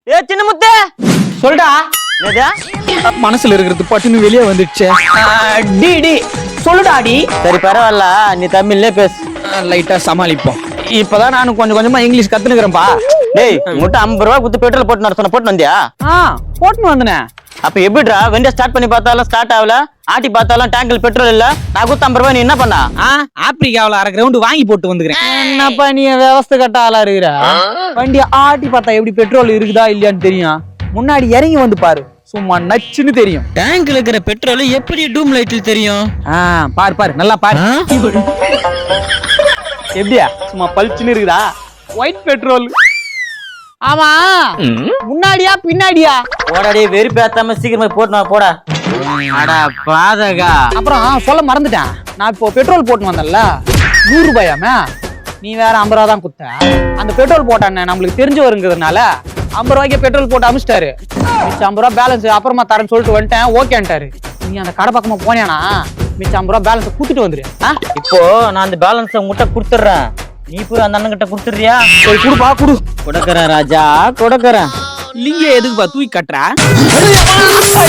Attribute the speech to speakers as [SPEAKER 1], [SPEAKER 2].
[SPEAKER 1] ஏ சின்ன முத்து
[SPEAKER 2] சொல்டா.
[SPEAKER 1] என்னது
[SPEAKER 2] மனசுல இருக்கிறது பட்டுன்னு வெளியே வந்துடுச்சு. டி டி சொல்லுடா டி.
[SPEAKER 1] சரி பரவாயில்ல, நீ தமிழ்லயே பேசு.
[SPEAKER 2] லைட்டா சமாளிப்போம். இப்பதான் நானும் கொஞ்சம் கொஞ்சமா இங்கிலீஷ் கத்துனுக்குறேன்பா.
[SPEAKER 1] டேய் முட்டை 50 ரூபா குத்து பெட்ரோல் போட்டு வர சொன்ன, போட்டு வந்தியா?
[SPEAKER 2] போட்டுன்னு வந்தனே.
[SPEAKER 1] அப்ப எப்படிடா வண்டியை ஸ்டார்ட் பண்ணி பார்த்தாலும் ஸ்டார்ட் ஆகல, ஆட்டி பார்த்தாலும் டேங்கில் பெட்ரோல் இல்ல, நான் குத்து 50 ரூபாய் நீ என்ன பண்ணா?
[SPEAKER 2] ஆப்பிரிக்காவில அரை கிரவுண்ட் வாங்கி போட்டு வந்துக்கிறேன். என்னப்பா நீ விவசாய கட்ட ஆளா இருக்கிற? வண்டியை ஆட்டி பார்த்தா எப்படி பெட்ரோல் இருக்குதா இல்லையான்னு தெரியும். முன்னாடி இறங்கி வந்து பாரு, சும்மா நச்சுன்னு தெரியும்.
[SPEAKER 3] டேங்க்ல இருக்கிற பெட்ரோல் எப்படி டூம் லைட்ல தெரியும்?
[SPEAKER 2] பாரு பாரு நல்லா பாரு. எப்படியா சும்மா பளிச்சுன்னு இருக்குதா? White petrol. ஆமா முன்னாடியா பின்னாடியா?
[SPEAKER 1] போடாடி வெறுப்பேத்தாம சீக்கிரமா போட்டு வா, போடா.
[SPEAKER 3] அடா பாதகா.
[SPEAKER 2] அப்புறம் சொல்ல மறந்துட்டேன், நான் இப்போ பெட்ரோல் போட்டு வந்தேன்ல 100 ரூபாயாமே. நீ வேற 50 ரூபா தான் குத்த. அந்த பெட்ரோல் போட்டானே நம்மளுக்கு தெரிஞ்சு வருங்கிறதுனால 50 ரூபாய்க்கு பெட்ரோல் போட்டு அமிச்சிட்டாரு. 50 ரூபா பேலன்ஸ் அப்புறமா தரேன்னு சொல்லிட்டு வந்துட்டேன். ஓகேன்ட்டாரு. நீ அந்த கடை பக்கமா போனியானா மிச்சம் 50 ரூபா பேலன்ஸ் குடுத்துட்டு வந்துரு.
[SPEAKER 1] இப்போ நான் அந்த பேலன்ஸ் உங்ககிட்ட கொடுத்துட்றேன், நீ போய் அந்த அண்ணன் கிட்ட கொடுத்துறியா?
[SPEAKER 2] குடுப்பா குடு.
[SPEAKER 1] கொடுக்கறேன் ராஜா, கொடுக்கறேன்.
[SPEAKER 2] லிங்க எதுக்குப்பா தூக்கி கட்டுற?